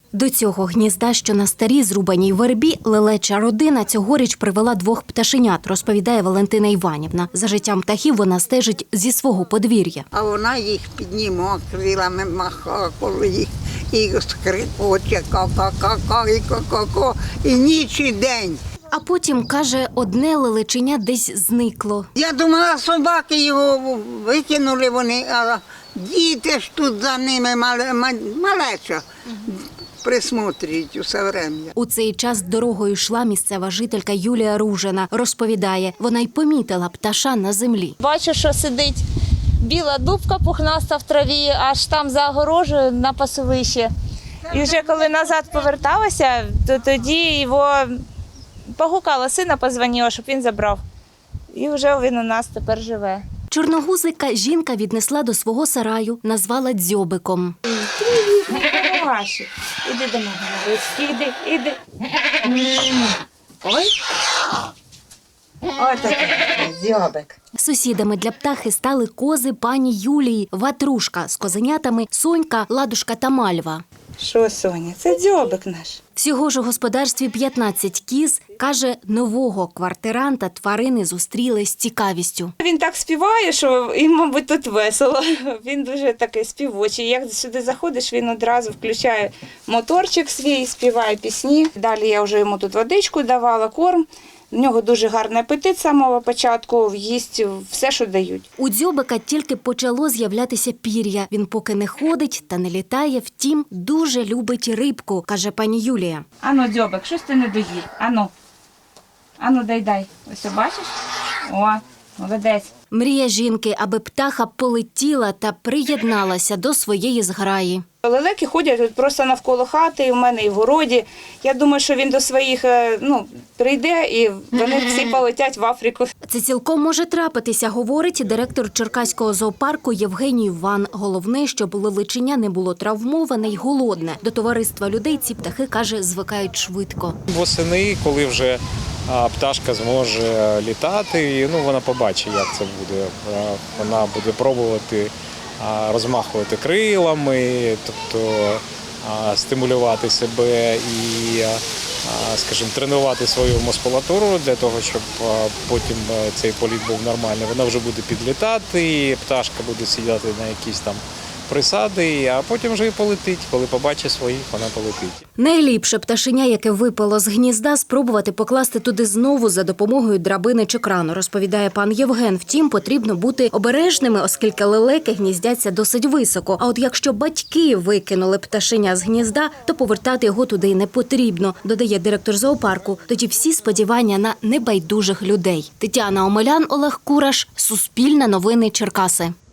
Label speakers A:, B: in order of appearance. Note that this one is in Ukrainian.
A: До цього гнізда, що на старій зрубаній вербі, лелеча родина цьогоріч привела 2 пташенят, розповідає Валентина Іванівна. За життям птахів вона стежить зі свого подвір'я.
B: А вона їх підніме, крилами махає, коли їх і скрипоче, ка-ка-ка-ка, і ка-ка-ка, і ніч, і день.
A: А потім, каже, одне лелеченя десь зникло.
B: Я думала, собаки його викинули вони, а діти ж тут за ними малеча присмотрюють усе время.
A: У цей час дорогою йшла місцева жителька Юлія Ружина. Розповідає, вона й помітила пташа на землі.
C: Бачу, що сидить біла дубка пухнаста в траві, аж там за огорожею на пасовищі. І вже коли назад поверталася, то тоді його погукала сина, позвонила, щоб він забрав. І вже він у нас тепер живе.
A: Чорногузика жінка віднесла до свого сараю, назвала дзьобиком.
C: Ваші, іди до мене, іди. Ой. Ось такий дзьобик.
A: Сусідами для птахи стали кози пані Юлії, Ватрушка з козенятами, Сонька, Ладушка та Мальва.
C: Що, Соня, це дзьобик наш.
A: Всього ж у господарстві 15 кіз. Каже, нового квартиранта тварини зустріли з цікавістю.
C: Він так співає, що їм, мабуть, тут весело. Він дуже такий співочий. Як сюди заходиш, він одразу включає моторчик свій, співає пісні. Далі я вже йому тут водичку давала, корм. У нього дуже гарний апетит з самого початку, їсть все, що дають.
A: У дзьобика тільки почало з'являтися пір'я. Він поки не ходить та не літає, втім, дуже любить рибку, каже пані Юлія.
C: Ану, дзьобик, щось ти не доїв. Ану, дай. Ось бачиш? О, молодець.
A: Мрія жінки, аби птаха полетіла та приєдналася до своєї зграї.
C: Лелеки ходять тут просто навколо хати, і в мене, і в городі. Я думаю, що він до своїх прийде, і вони всі полетять в Африку.
A: Це цілком може трапитися, говорить директор Черкаського зоопарку Євгеній Ван. Головне, щоб лелеченя не було травмоване й голодне. До товариства людей ці птахи, каже, звикають швидко.
D: Восени, коли вже пташка зможе літати, вона побачить, як це буде. Вона буде пробувати розмахувати крилами, тобто стимулювати себе і, скажімо, тренувати свою мускулатуру для того, щоб потім цей політ був нормальний. Вона вже буде підлітати, пташка буде сідати на якісь там присади, а потім вже і полетить. Коли побачить своїх, вона полетить.
A: Найліпше пташеня, яке випало з гнізда, спробувати покласти туди знову за допомогою драбини чи крану, розповідає пан Євген. Втім, потрібно бути обережними, оскільки лелеки гніздяться досить високо. А от якщо батьки викинули пташеня з гнізда, то повертати його туди не потрібно, додає директор зоопарку. Тоді всі сподівання на небайдужих людей. Тетяна Омелян, Олег Кураш, Суспільне новини, Черкаси.